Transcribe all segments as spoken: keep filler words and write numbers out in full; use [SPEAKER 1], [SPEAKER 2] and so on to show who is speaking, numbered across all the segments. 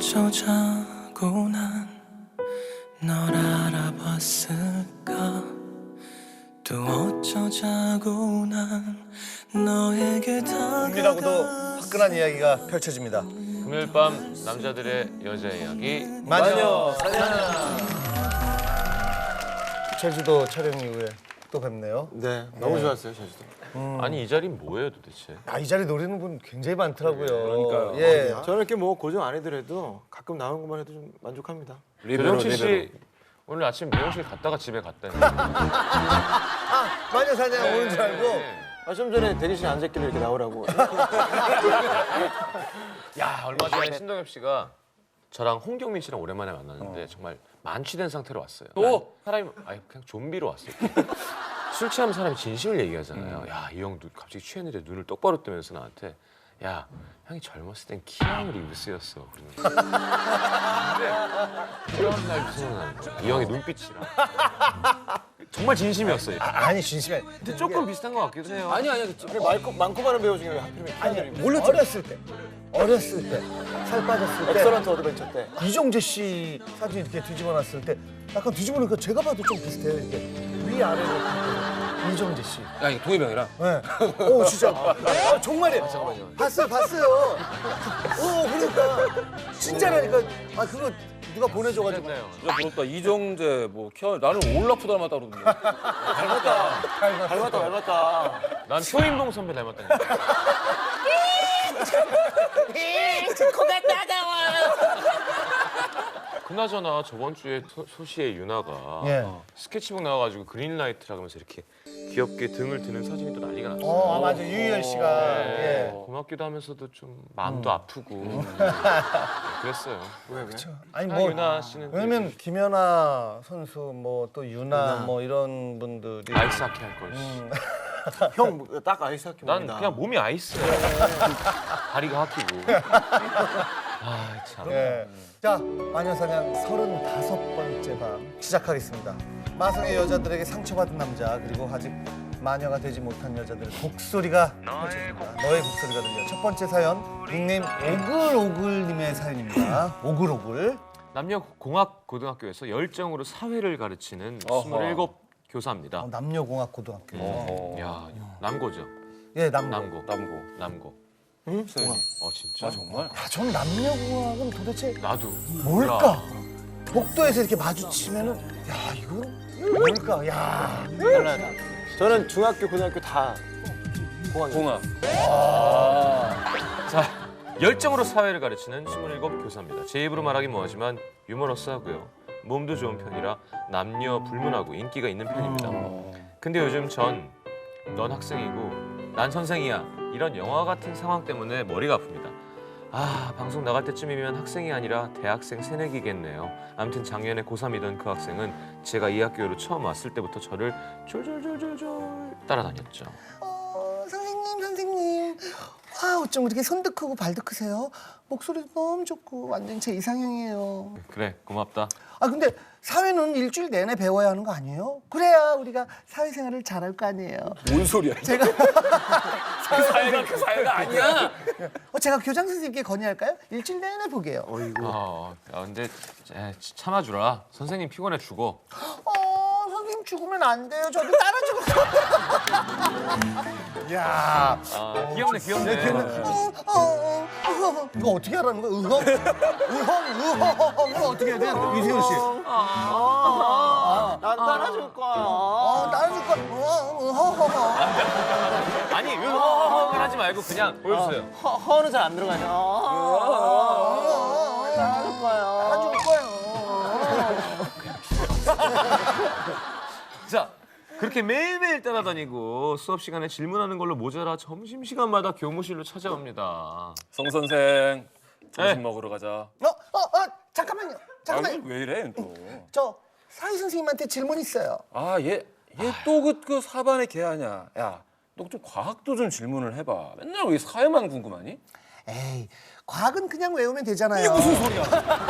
[SPEAKER 1] 어쩌자고 난 널 알아봤을까. 또 어쩌자고 난 너에게
[SPEAKER 2] 은밀하고도
[SPEAKER 1] 다가갔을까.
[SPEAKER 2] 화끈한 이야기가 펼쳐집니다.
[SPEAKER 3] 금요일 밤 남자들의 여자 이야기
[SPEAKER 2] 마녀 사냥. 제주도 촬영 이후에 또 뵙네요.
[SPEAKER 4] 네, 너무 좋았어요, 제주도.
[SPEAKER 3] 음. 아니 이 자리는 뭐예요 도대체?
[SPEAKER 2] 아, 이 자리 노리는 분 굉장히 많더라고요.
[SPEAKER 4] 그러니까요.
[SPEAKER 2] 예.
[SPEAKER 4] 저는 이렇게 뭐 고정 안 해더라도 가끔 나오는 것만 해도 좀 만족합니다.
[SPEAKER 3] 조정치 씨 오늘 아침 미용실 갔다가 집에 갔다니.
[SPEAKER 2] 아, 마녀 사냥 오는 줄 알고.
[SPEAKER 4] 아, 좀 전에 대기실에 앉았길래 이렇게 나오라고.
[SPEAKER 3] 야 얼마 전에 신동엽 씨가 저랑 홍경민 씨랑 오랜만에 만났는데 정말 만취된 상태로 왔어요. 또 사람이 아니 그냥 좀비로 왔어요. 술 취하면 사람이 진심을 얘기하잖아요. 야 이 형도 갑자기 취했는데 눈을 똑바로 뜨면서 나한테 야 형이 젊었을 땐 키아누 리브스였어. 근데 그런 날 생각나는 거야. 이 형의 눈빛이랑 정말 진심이었어요.
[SPEAKER 2] 아니, 진심에.
[SPEAKER 3] 근데 조금 비슷한 것 같기도 해요.
[SPEAKER 4] 아니, 아니, 그래, 많고, 많고 많은 배우 중에 왜 하필이면
[SPEAKER 2] 아니,
[SPEAKER 4] 아니,
[SPEAKER 2] 몰랐 어렸을 때. 어렸을 때. 살 빠졌을 때.
[SPEAKER 4] 엑설런트 어드벤처 때.
[SPEAKER 2] 이정재 씨 사진 이렇게 뒤집어 놨을 때 약간 뒤집어 놓으니까 제가 봐도 좀 비슷해요. 이렇게 위아래로. 이정재 씨.
[SPEAKER 5] 야, 이거 동해병이랑?
[SPEAKER 2] 네. 오, 진짜. 아, 정말이에요. 잠깐만요. 봤어요, 봤어요. 오, 그러니까. 진짜라니까. 아, 그거 누가 보내줘가지고.
[SPEAKER 3] 그랬나요?
[SPEAKER 5] 진짜 부럽다. 이정재, 뭐, 키아, 나는 올라프 닮았다 그러던데.
[SPEAKER 4] 닮았다. 닮았다, 닮았다.
[SPEAKER 3] 난 표인봉 선배 닮았다니까.
[SPEAKER 6] 코가 따가워요.
[SPEAKER 3] 그나저나 저번 주에 소, 소시의 유나가
[SPEAKER 2] 예.
[SPEAKER 3] 스케치북 나와가지고 그린라이트라 하면서 이렇게 귀엽게 등을 드는 사진이 또 난리가 났어요.
[SPEAKER 2] 어, 아, 맞아. 유희열 씨가.
[SPEAKER 3] 네.
[SPEAKER 2] 예.
[SPEAKER 3] 고맙기도 하면서도 좀 마음도 아프고 그랬어요.
[SPEAKER 4] 왜, 왜?
[SPEAKER 2] 아니,
[SPEAKER 3] 아,
[SPEAKER 2] 뭐.
[SPEAKER 3] 유나 씨는
[SPEAKER 2] 왜냐면 김연아 선수, 뭐 또 유나,
[SPEAKER 4] 유나.
[SPEAKER 2] 뭐 이런 분들이.
[SPEAKER 3] 아이스하키 할 걸.
[SPEAKER 2] 음.
[SPEAKER 4] 형, 딱 아이스 하키
[SPEAKER 3] 난
[SPEAKER 4] 봅니다.
[SPEAKER 3] 그냥 몸이 아이스야. 다리가 하키고. 아 참.
[SPEAKER 2] 예. 자, 마녀사냥 서른다섯 번째 밤 시작하겠습니다. 마성의 여자들에게 상처받은 남자, 그리고 아직 마녀가 되지 못한 여자들의 곡소리가 펼쳐집니다. 너의 곡소리가 들려. 첫 번째 사연, 닉네임 오글오글님의 사연입니다. 오글오글.
[SPEAKER 3] 남녀공학고등학교에서 열정으로 사회를 가르치는 스물일곱 교사입니다.
[SPEAKER 2] 어, 남녀공학고등학교.
[SPEAKER 3] 야 남고죠.
[SPEAKER 2] 예, 남고.
[SPEAKER 3] 남고.
[SPEAKER 5] 남고.
[SPEAKER 3] 남고.
[SPEAKER 4] 응? 선생님.
[SPEAKER 3] 어 진짜?
[SPEAKER 5] 아, 정말?
[SPEAKER 2] 야, 전 남녀공학은 도대체
[SPEAKER 3] 나도.
[SPEAKER 2] 뭘까? 복도에서 이렇게 마주치면은, 야, 이건 뭘까? 야.
[SPEAKER 4] 달라요. 저는 중학교, 고등학교 다 공학.
[SPEAKER 5] 공학.
[SPEAKER 3] 자, 열정으로 사회를 가르치는 스물일곱 교사입니다. 제 입으로 말하긴 뭐하지만 유머러스하고요. 몸도 좋은 편이라 남녀 불문하고 인기가 있는 편입니다. 근데 요즘 전 넌 학생이고 난 선생이야 이런 영화 같은 상황 때문에 머리가 아픕니다. 아, 방송 나갈 때쯤이면 학생이 아니라 대학생 새내기겠네요. 아무튼 작년에 고삼이던 그 학생은 제가 이 학교로 처음 왔을 때부터 저를 졸졸졸졸졸 따라다녔죠.
[SPEAKER 2] 어, 선생님, 선생님. 와, 어쩜 이렇게 손도 크고 발도 크세요? 목소리도 너무 좋고 완전 제 이상형이에요.
[SPEAKER 3] 그래, 고맙다.
[SPEAKER 2] 아, 근데 사회는 일주일 내내 배워야 하는 거 아니에요? 그래야 우리가 사회생활을 잘할 거 아니에요.
[SPEAKER 5] 뭔 소리야?
[SPEAKER 2] 제가
[SPEAKER 5] 그 사회가 그 사회가 아니야.
[SPEAKER 2] 어, 제가 교장 선생님께 건의할까요? 일주일 내내 보게요.
[SPEAKER 3] 아, 야, 근데 에, 참아주라. 선생님 피곤해 죽어.
[SPEAKER 2] 어, 선생님 죽으면 안 돼요. 저도 따라 죽었어. 야,
[SPEAKER 3] 아, 귀엽네, 귀엽네.
[SPEAKER 2] 어, 어, 어, 어. 이거 어떻게 하라는 거야? 으헉, 으헉, 으헉. 이거 어떻게 해야 돼? 이세훈 씨.
[SPEAKER 4] 난 따라줄 거야.
[SPEAKER 2] 어, 따라 줄 거야. 으헉, 으헉.
[SPEAKER 3] 아니, 으허허허 하지 말고 그냥 보여주세요.
[SPEAKER 4] 허, 허는 잘 안 들어가냐. 따라줄 거야.
[SPEAKER 2] 따라 줄 거예요.
[SPEAKER 3] 자, 그렇게 매일매일 따라다니고 수업 시간에 질문하는 걸로 모자라 점심시간마다 교무실로 찾아옵니다.
[SPEAKER 5] 송 선생, 점심
[SPEAKER 3] 네.
[SPEAKER 5] 먹으러 가자.
[SPEAKER 2] 어, 어, 어, 잠깐만요.
[SPEAKER 5] 아,
[SPEAKER 2] 잠깐만요.
[SPEAKER 5] 왜 이래 또?
[SPEAKER 2] 저 사회 선생님한테 질문 있어요.
[SPEAKER 5] 아, 얘, 얘 또 그 그 사반의 개 아니야. 야, 너 좀 과학도 좀 질문을 해봐. 맨날 왜 사회만 궁금하니?
[SPEAKER 2] 에이, 과학은 그냥 외우면 되잖아요.
[SPEAKER 5] 이게 무슨 소리야?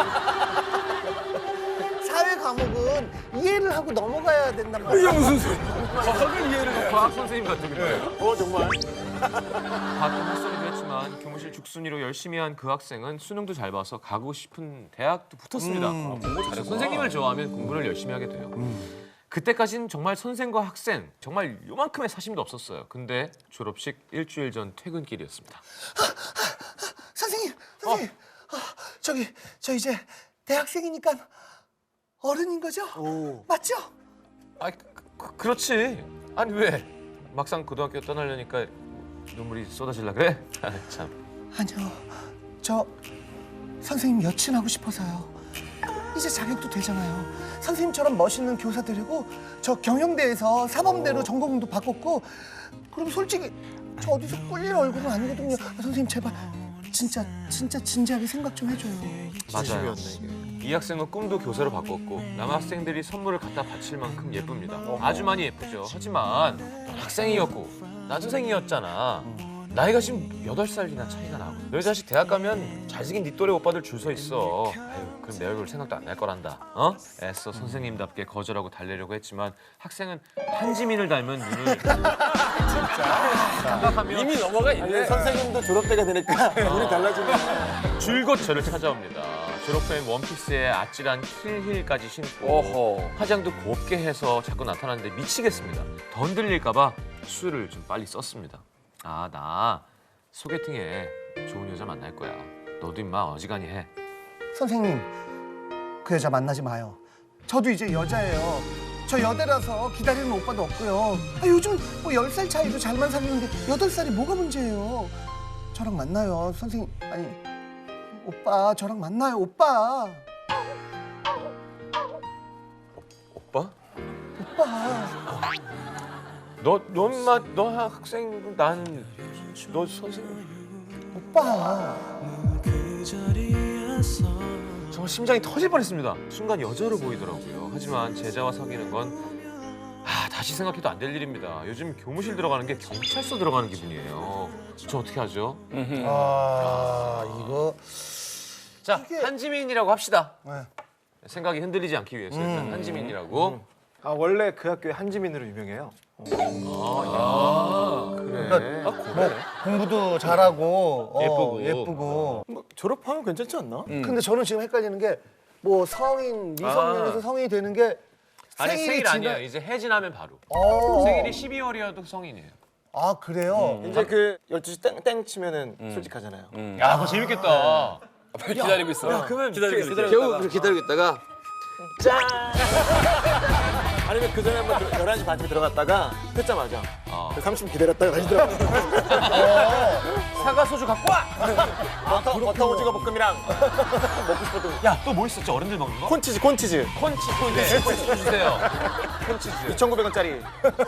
[SPEAKER 2] 사회 과목은 이해를 하고 넘어가야 된단 말이야.
[SPEAKER 5] 이게 무슨 소리야? 과학을 이해를 해.
[SPEAKER 3] 과학 선생님 같은 거예요.
[SPEAKER 4] 어, 정말.
[SPEAKER 3] 가끔 헛소리도 했지만 하지만 교무실 죽순이로 열심히 한 그 학생은 수능도 잘 봐서 가고 싶은 대학도 붙었습니다.
[SPEAKER 2] 음.
[SPEAKER 3] 공부 잘해서 선생님을 좋아하면 공부를 열심히 하게 돼요. 그때까지는 정말 선생과 학생 정말 요만큼의 사심도 없었어요. 근데 졸업식 일주일 전 퇴근길이었습니다.
[SPEAKER 2] 선생님, 선생님, 아, 저기 저 이제 대학생이니까 어른인 거죠? 맞죠?
[SPEAKER 3] 아, 그, 그렇지. 아니 왜? 막상 고등학교 떠나려니까 눈물이 쏟아질라 그래? 아, 참.
[SPEAKER 2] 아니요, 저 선생님 여친하고 싶어서요. 이제 자격도 되잖아요. 선생님처럼 멋있는 교사 되려고 저 경영대에서 사범대로 전공도 바꿨고, 그럼 솔직히 저 어디서 꿀릴 얼굴은 아니거든요. 아, 선생님 제발 진짜 진짜 진지하게 생각 좀 해줘요.
[SPEAKER 3] 맞아요. 이 학생은 꿈도 교사로 바꿨고 남학생들이 선물을 갖다 바칠 만큼 예쁩니다. 아주 많이 예쁘죠. 하지만 학생이었고 남생이었잖아. 나이가 지금 여덟 살이나 차이가 나고 너희 자식 대학 가면 잘생긴 네 또래 오빠들 줄 서 있어. 아유, 그럼 내 얼굴 생각도 안 날 거란다. 어? 애써 선생님답게 거절하고 달래려고 했지만 학생은 한지민을 닮은 눈을 생각하며
[SPEAKER 5] 이미 넘어가
[SPEAKER 4] 아니,
[SPEAKER 5] 있네.
[SPEAKER 4] 선생님도 졸업 때가 되니까 눈이 달라지네.
[SPEAKER 3] 줄곧 저를 찾아옵니다. 졸업 후엔 원피스에 아찔한 힐힐까지 신고
[SPEAKER 5] 어허.
[SPEAKER 3] 화장도 곱게 해서 자꾸 나타나는데 미치겠습니다. 더 흔들릴까 봐 술을 좀 빨리 썼습니다. 아, 나 소개팅에 좋은 여자 만날 거야. 너도 임마 어지간히 해.
[SPEAKER 2] 선생님, 그 여자 만나지 마요. 저도 이제 여자예요. 저 여대라서 기다리는 오빠도 없고요. 아, 요즘 뭐 열 살 차이도 잘만 사귀는데 여덟 살이 뭐가 문제예요. 저랑 만나요, 선생님. 아니, 오빠 저랑 만나요, 오빠.
[SPEAKER 3] 오빠?
[SPEAKER 2] 오빠.
[SPEAKER 3] 너, 너 임마 너 학생 난 너 선생님.
[SPEAKER 2] 오빠.
[SPEAKER 1] 그 자리에서
[SPEAKER 3] 정말 심장이 터질 뻔했습니다. 순간 여자로 보이더라고요. 하지만 제자와 사귀는 건 아, 다시 생각해도 안 될 일입니다. 요즘 교무실 들어가는 게 경찰서 들어가는 기분이에요. 저 어떻게 하죠?
[SPEAKER 2] 아, 이거.
[SPEAKER 3] 자,
[SPEAKER 2] 이게-
[SPEAKER 3] 한지민이라고 합시다.
[SPEAKER 2] 네.
[SPEAKER 3] 생각이 흔들리지 않기 위해서 일단 한지민이라고.
[SPEAKER 4] 아 원래 그 학교에 한지민으로 유명해요.
[SPEAKER 3] 아, 그래.
[SPEAKER 2] 그러니까 뭐 공부도 잘하고 어,
[SPEAKER 3] 예쁘고.
[SPEAKER 2] 예쁘고.
[SPEAKER 4] 뭐 졸업하면 괜찮지 않나?
[SPEAKER 2] 근데 저는 지금 헷갈리는 게 뭐 성인 미성년에서
[SPEAKER 3] 아.
[SPEAKER 2] 성인이 되는 게
[SPEAKER 3] 아니
[SPEAKER 2] 생일이
[SPEAKER 3] 생일
[SPEAKER 2] 지나-
[SPEAKER 3] 아니에요. 이제 해지나면 바로.
[SPEAKER 2] 어.
[SPEAKER 3] 생일이 십이월이어도 성인이에요.
[SPEAKER 2] 아 그래요?
[SPEAKER 4] 이제 그 열두 시 땡땡 치면은 솔직하잖아요.
[SPEAKER 3] 야, 그거 재밌겠다.
[SPEAKER 5] 기다리고 있어.
[SPEAKER 3] 야, 그러면
[SPEAKER 5] 기다리고 있어.
[SPEAKER 3] 기다려-
[SPEAKER 5] 겨우 그렇게 기다리고 있다가
[SPEAKER 4] 아니면 그 전에 한번 들- 열한 시 반쯤에 들어갔다가 뜯자마자
[SPEAKER 3] 어.
[SPEAKER 4] 그 삼십 분 기다렸다가 다시 들어가.
[SPEAKER 3] 사과 소주 갖고 와.
[SPEAKER 4] 버터, 버터 오징어 볶음이랑 먹고 싶었던
[SPEAKER 3] 야, 또 뭐 있었지? 어른들 먹는 거?
[SPEAKER 4] 콘치즈 콘치즈
[SPEAKER 3] 콘치 콘치 콘치 주세요. 콘치즈.
[SPEAKER 4] 이천구백 원짜리.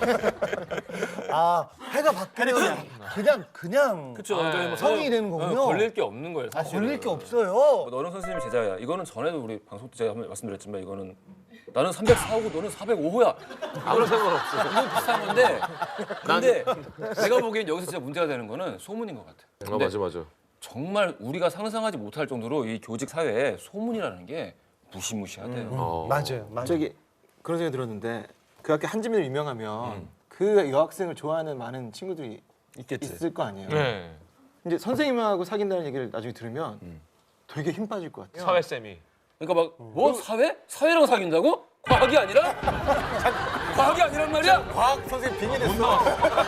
[SPEAKER 2] 아 해가 바뀌면 그냥 그냥
[SPEAKER 5] 그렇죠.
[SPEAKER 3] 네.
[SPEAKER 5] 저희 뭐
[SPEAKER 2] 성인이 되는 거군요.
[SPEAKER 5] 어, 걸릴 게 없는 거예요.
[SPEAKER 2] 아,
[SPEAKER 5] 사실은.
[SPEAKER 2] 걸릴 게 없어요.
[SPEAKER 5] 뭐 너는 선생님 제자야. 이거는 전에도 우리 방송 때 제가 한번 말씀드렸지만 이거는 나는 삼백사호고 너는 사백오호야.
[SPEAKER 3] 아무런 상관없어.
[SPEAKER 5] 이건 비슷한 건데 근데 내가 보기엔 여기서 진짜 문제가 되는 거는 소문인 것 같아.
[SPEAKER 3] 어, 맞아 맞아.
[SPEAKER 5] 정말 우리가 상상하지 못할 정도로 이 교직 사회에 소문이라는 게 무시무시하대요.
[SPEAKER 3] 어.
[SPEAKER 2] 맞아요, 맞아요.
[SPEAKER 4] 저기 그런 생각이 들었는데 그 학교 한지민으로 유명하면 그 여학생을 좋아하는 많은 친구들이
[SPEAKER 5] 있겠지.
[SPEAKER 4] 있을 거 아니에요.
[SPEAKER 3] 네.
[SPEAKER 4] 이제 선생님하고 사귄다는 얘기를 나중에 들으면 되게 힘 빠질 것 같아요.
[SPEAKER 3] 사회 쌤이.
[SPEAKER 5] 그러니까 막 뭐 사회? 사회랑 사귄다고? 과학이 아니라? 과학이 아니란 말이야?
[SPEAKER 4] 과학 선생님 빙의됐어.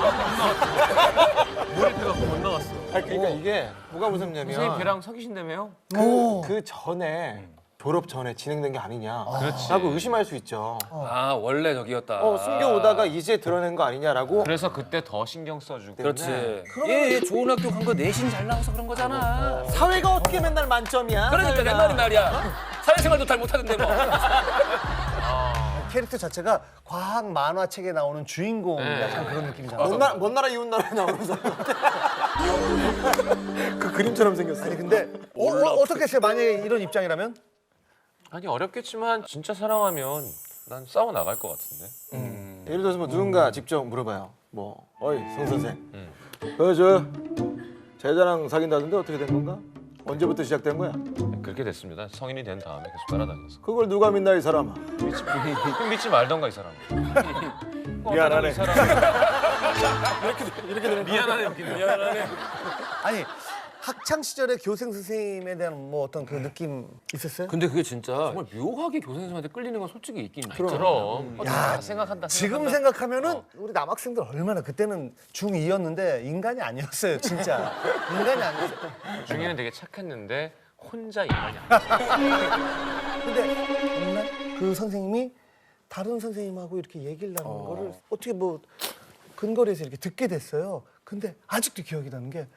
[SPEAKER 3] 몰입해갖고 못 나왔어.
[SPEAKER 4] 아니, 그러니까 이게 뭐가 무섭냐면
[SPEAKER 3] 선생님 걔랑 사귀신다며요?
[SPEAKER 2] 오.
[SPEAKER 4] 그 전에 졸업 전에 진행된 게 아니냐
[SPEAKER 3] 그렇지.
[SPEAKER 4] 라고 의심할 수 있죠.
[SPEAKER 5] 아 원래 저기였다.
[SPEAKER 4] 어, 숨겨오다가 이제 드러낸 거 아니냐라고.
[SPEAKER 3] 그래서 그때 더 신경 써주고.
[SPEAKER 5] 그렇지. 얘, 얘 좋은 학교 간 거 내신 잘 나와서 그런 거잖아.
[SPEAKER 4] 사회가 어떻게 맨날 만점이야?
[SPEAKER 5] 그러니까
[SPEAKER 4] 사회가.
[SPEAKER 5] 옛날에 말이야. 사회생활도 잘 못하던데 뭐.
[SPEAKER 2] 캐릭터 자체가 과학 만화책에 나오는 주인공
[SPEAKER 3] 네.
[SPEAKER 2] 약간 그런 느낌이잖아.
[SPEAKER 4] 먼, 나, 먼 나라 이웃 나라에 나오는 사람. 그 그림처럼 생겼어.
[SPEAKER 2] 아니 근데 어, 어, 어떻게 했어요? 만약에 이런 입장이라면?
[SPEAKER 3] 아니 어렵겠지만 진짜 사랑하면 난 싸워 나갈 것 같은데.
[SPEAKER 4] 예를 들어서 뭐 누군가 직접 물어봐요. 뭐, 어이 성 선생, 그저 제자랑 사귄다던데 어떻게 된 건가? 언제부터 시작된 거야?
[SPEAKER 3] 그렇게 됐습니다. 성인이 된 다음에 계속 따라다녀서.
[SPEAKER 4] 그걸 누가 믿나 이 사람아?
[SPEAKER 3] 믿지, 그럼 믿지 말던가 이 사람.
[SPEAKER 4] 미안하네.
[SPEAKER 3] 이 사람.
[SPEAKER 4] 이렇게 되는
[SPEAKER 3] 미안하네 여기는.
[SPEAKER 5] 미안하네.
[SPEAKER 2] 아니 학창 시절에 교생 선생님에 대한 뭐 어떤 그 느낌 있었어요?
[SPEAKER 5] 근데 그게 진짜 정말 묘하게 교생 선생님한테 끌리는 건 솔직히 있긴 있죠.
[SPEAKER 3] 그럼.
[SPEAKER 2] 야,
[SPEAKER 3] 생각한다.
[SPEAKER 2] 지금
[SPEAKER 3] 생각한다.
[SPEAKER 2] 생각하면은 우리 남학생들 얼마나 그때는 중이였는데 인간이 아니었어요, 진짜. 인간이 아니었어요.
[SPEAKER 3] 중이는 되게 착했는데 혼자 인간이 아니야.
[SPEAKER 2] 근데 어느 날 그 선생님이 다른 선생님하고 이렇게 얘기를 나누는 거를 어떻게 뭐 근거리에서 이렇게 듣게 됐어요. 근데 아직도 기억이 나는 게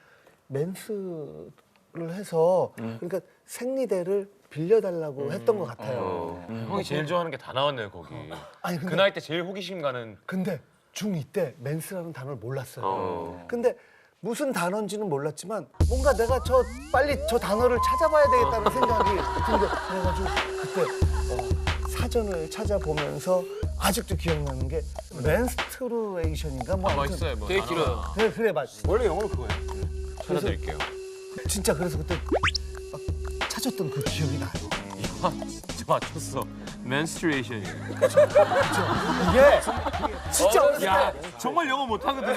[SPEAKER 2] 맨스를 해서 그러니까 생리대를 빌려달라고 했던 것 같아요.
[SPEAKER 3] 형이 제일 좋아하는 게 다 나왔네요 거기.
[SPEAKER 2] 아니 근데
[SPEAKER 3] 그 나이 때 제일 호기심 가는.
[SPEAKER 2] 근데 중이 때 맨스라는 단어를 몰랐어요.
[SPEAKER 3] 어.
[SPEAKER 2] 근데 무슨 단어인지는 몰랐지만 뭔가 내가 저 빨리 저 단어를 찾아봐야 되겠다는 생각이 근데 그래가지고 그때 어, 사전을 찾아보면서 아직도 기억나는 게 맨스트루에이션인가 뭐
[SPEAKER 3] 아
[SPEAKER 2] 아무튼
[SPEAKER 3] 맛있어요. 뭐
[SPEAKER 5] 되게
[SPEAKER 3] 단어가.
[SPEAKER 5] 길어요.
[SPEAKER 2] 그래 그래 맞
[SPEAKER 4] 원래 영어로 그거야.
[SPEAKER 3] 찾아드릴게요.
[SPEAKER 2] 진짜 그래서 그때 막 찾았던 그 기억이 나요.
[SPEAKER 3] 아, 진짜 맞췄어. menstruation이에요.
[SPEAKER 2] 이게 진짜 어렸을 때
[SPEAKER 3] 야 정말 영어 못하거든요.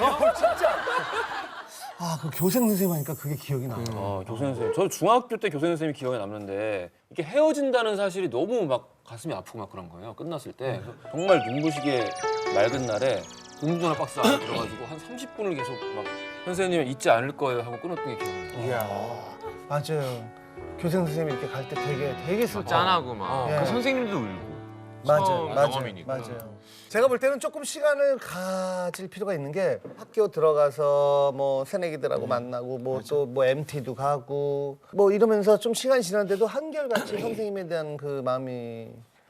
[SPEAKER 2] 아, 그 교생 선생님 하니까 그게 기억이 나요.
[SPEAKER 5] 어, 교생 선생님. 저 중학교 때 교생 선생님이 기억에 남는데 이게 헤어진다는 사실이 너무 막 가슴이 아프고 막 그런 거예요. 끝났을 때 그래서 정말 눈부시게 맑은 날에 공중전화 박스 안에 들어가지고 한 삼십 분을 계속 막 선생님 잊지 않을 거예요 하고 끊었던 게 기억나요.
[SPEAKER 2] 이야, 맞아요. 교생 선생님이 이렇게 갈 때 되게 되게 슬퍼.
[SPEAKER 3] 짠하고 막.
[SPEAKER 2] 예.
[SPEAKER 3] 그 선생님도 울고.
[SPEAKER 2] 맞아요,
[SPEAKER 3] 처음
[SPEAKER 2] 맞아요,
[SPEAKER 3] 경험이니까.
[SPEAKER 2] 맞아요. 제가 볼 때는 조금 시간을 가질 필요가 있는 게 학교 들어가서 뭐 새내기들하고 만나고 뭐 또 뭐 엠티도 가고 뭐 이러면서 좀 시간이 지났는데도 한결같이 선생님에 대한 그 마음이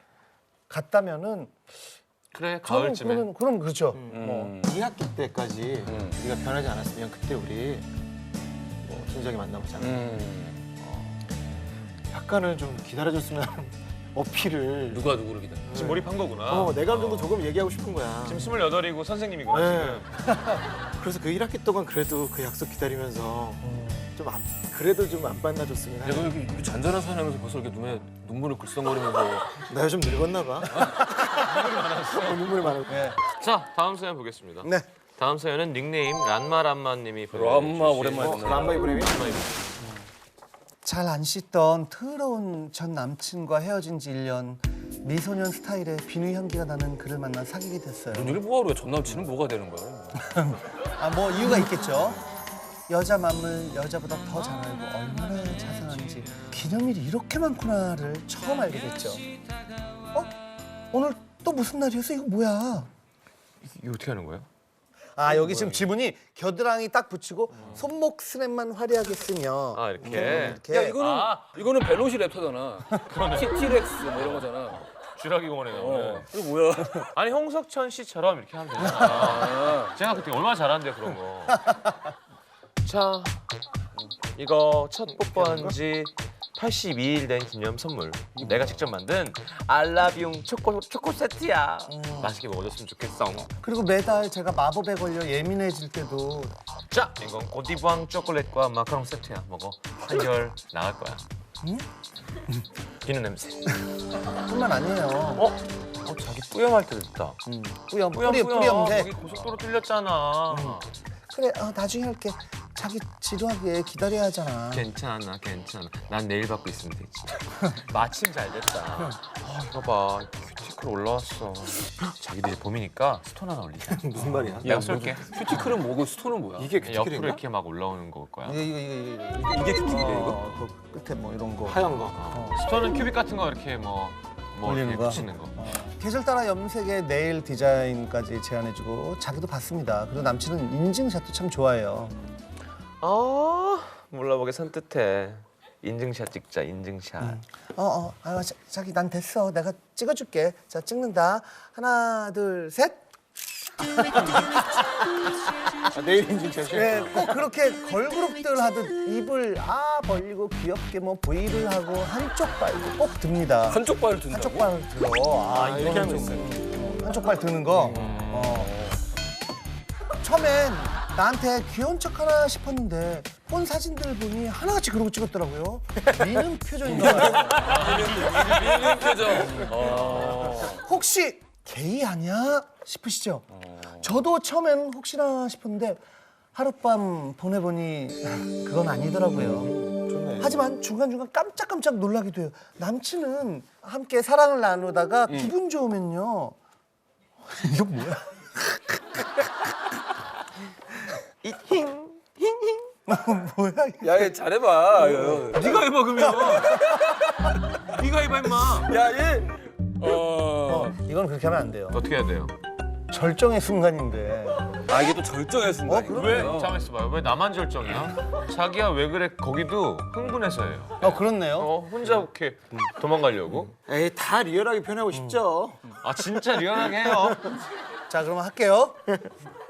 [SPEAKER 2] 같다면은
[SPEAKER 3] 그래
[SPEAKER 2] 저는
[SPEAKER 3] 가을쯤에.
[SPEAKER 2] 그러면 그럼 그렇죠. 뭐
[SPEAKER 5] 음.
[SPEAKER 4] 이 학기 때까지
[SPEAKER 5] 음.
[SPEAKER 4] 우리가 변하지 않았으면 그때 우리 뭐 진작에 만나보잖아.
[SPEAKER 5] 음.
[SPEAKER 4] 약간은 좀 기다려줬으면 하는 어필을.
[SPEAKER 5] 누가 누구를 기다려?
[SPEAKER 3] 지금 몰입한 거구나.
[SPEAKER 4] 어, 내 감정도 조금 얘기하고 싶은 거야.
[SPEAKER 3] 지금 스물여덟이고 선생님이구나
[SPEAKER 4] 네.
[SPEAKER 3] 지금.
[SPEAKER 4] 그래서 그 일 학기 동안 그래도 그 약속 기다리면서 좀 안, 그래도 좀 안 만나줬으면
[SPEAKER 5] 내가
[SPEAKER 4] 하는.
[SPEAKER 5] 이렇게, 이렇게 잔잔한 사연하면서 벌써 이렇게 눈에 눈물을 글썽거리면서
[SPEAKER 4] 나 요즘 늙었나 봐. 어, 눈물이 많아.
[SPEAKER 2] 네.
[SPEAKER 3] 자 다음 사연 보겠습니다.
[SPEAKER 2] 네.
[SPEAKER 3] 다음 사연은 닉네임 란마란마님이
[SPEAKER 5] 람마 오랜만에 듣네.
[SPEAKER 4] 람마 이브레미?
[SPEAKER 2] 잘 안 씻던 더러운 전 남친과 헤어진 지 일 년 미소년 스타일의 비누 향기가 나는 그를 만나 사귀게 됐어요.
[SPEAKER 5] 눈을 뭐하러 해? 전 남친은 뭐가 되는 거예요?
[SPEAKER 2] 아 뭐 이유가 있겠죠. 여자 마음을 여자보다 더 잘 알고 얼마나 자상한지 기념일이 이렇게 많구나를 처음 알게 됐죠. 어? 오늘 또 무슨 날이었어? 이거 뭐야?
[SPEAKER 3] 이거 어떻게 하는 거예요?
[SPEAKER 2] 아 여기 지금 지문이 겨드랑이 딱 붙이고 손목 스냅만 화려하게 쓰며
[SPEAKER 3] 아 이렇게.
[SPEAKER 2] 이렇게
[SPEAKER 5] 야 이거는
[SPEAKER 3] 아.
[SPEAKER 5] 이거는 벨로시 랩터잖아. 티티렉스 뭐 이런 거잖아.
[SPEAKER 3] 쥐라기 공원에 나오는.
[SPEAKER 5] 어. 이거 뭐야?
[SPEAKER 3] 아니 홍석천 씨처럼 이렇게 하면 되잖아. 제가 그때 얼마나 잘하는데 그런 거. 자 이거 첫 뽀뽀한 지 팔십이 일 된 기념 선물. 내가 직접 만든 알라비움 초코 초코 세트야. 맛있게 먹어줬으면 좋겠어.
[SPEAKER 2] 그리고 매달 제가 마법에 걸려 예민해질 때도
[SPEAKER 3] 자 이건 고디부앙 초콜릿과 마카롱 세트야. 먹어. 한결 나을 거야.
[SPEAKER 2] 응?
[SPEAKER 3] 비누 냄새.
[SPEAKER 2] 뿐만 아니에요.
[SPEAKER 3] 어? 어 자기 뿌염할 때 됐다.
[SPEAKER 2] 뿌염
[SPEAKER 3] 뿌염
[SPEAKER 2] 뿌리
[SPEAKER 3] 뿌염.
[SPEAKER 2] 뿌염새.
[SPEAKER 3] 거기 고속도로 뚫렸잖아.
[SPEAKER 2] 그래 어, 나중에 할게. 자기 지루하게 기다려야 하잖아.
[SPEAKER 3] 괜찮아 괜찮아. 난 내일 받고 있으면 되지. 마침 잘 됐다. 아 이거 봐 큐티클 올라왔어. 자기도 이제 봄이니까 스톤 하나 올리자.
[SPEAKER 4] 무슨 말이야?
[SPEAKER 3] 내가 쏠게.
[SPEAKER 5] 큐티클은 뭐고 스톤은 뭐야?
[SPEAKER 4] 이게
[SPEAKER 3] 옆으로
[SPEAKER 4] 큐티클인가?
[SPEAKER 3] 이렇게 막 올라오는 걸 거야.
[SPEAKER 2] 이게 이거 이거 이거
[SPEAKER 5] 이게 큐티클이야 이거?
[SPEAKER 2] 어, 그 끝에 뭐 이런 거.
[SPEAKER 4] 하얀 거.
[SPEAKER 3] 스톤은 큐빅 같은 거 이렇게 뭐, 뭐
[SPEAKER 2] 올리는
[SPEAKER 3] 이렇게
[SPEAKER 2] 거?
[SPEAKER 3] 붙이는 거.
[SPEAKER 2] 계절 따라 염색의 네일 디자인까지 제안해주고 자기도 봤습니다. 그리고 남친은 인증샷도 참 좋아해요.
[SPEAKER 3] 아 몰라보게 산뜻해. 인증샷 찍자 인증샷.
[SPEAKER 2] 어, 어, 아, 자, 자기 난 됐어. 내가 찍어줄게. 자, 찍는다. 하나, 둘, 셋.
[SPEAKER 4] 아, 내일 인증샷이?
[SPEAKER 2] 네, 꼭 그렇게 걸그룹들 하듯 입을 아 벌리고 귀엽게 뭐 V를 하고 한쪽 발도 꼭 듭니다.
[SPEAKER 5] 한쪽 발을 든다고?
[SPEAKER 2] 한쪽 발을 들어. 아,
[SPEAKER 4] 이렇게
[SPEAKER 2] 이거는
[SPEAKER 4] 하면
[SPEAKER 2] 좀 한쪽 발 드는 거. 어. 처음엔 나한테 귀여운 척 하나 싶었는데 본 사진들 보니 하나같이 그러고 찍었더라고요. 미는 표정인가 봐요.
[SPEAKER 5] 미는 표정. 어.
[SPEAKER 2] 혹시 게이 아니야 싶으시죠? 저도 처음엔 혹시나 싶었는데 하룻밤 보내보니 그건 아니더라고요.
[SPEAKER 4] 좋네.
[SPEAKER 2] 하지만 중간중간 깜짝깜짝 놀라기도 해요. 남친은 함께 사랑을 나누다가 기분 좋으면요. 이거 뭐야? 뭐야? 이게.
[SPEAKER 5] 야, 얘 잘해봐.
[SPEAKER 3] 네가 해봐 그러면. 네가 해봐 임마.
[SPEAKER 5] 야, 얘. 어.
[SPEAKER 2] 어, 이건 그렇게 하면 안 돼요.
[SPEAKER 3] 어떻게 해야 돼요?
[SPEAKER 2] 절정의 순간인데.
[SPEAKER 5] 아, 이게 또 절정의 순간이에요.
[SPEAKER 3] 왜? 잠깐만 있어봐요. 왜 나만 절정이야? 자기야 왜 그래? 거기도 흥분해서예요.
[SPEAKER 2] 어, 그렇네요.
[SPEAKER 3] 어 혼자 이렇게 도망가려고?
[SPEAKER 4] 에이 다 리얼하게 표현하고 싶죠.
[SPEAKER 3] 아 진짜 리얼하게 해요.
[SPEAKER 2] 자, 그럼 할게요.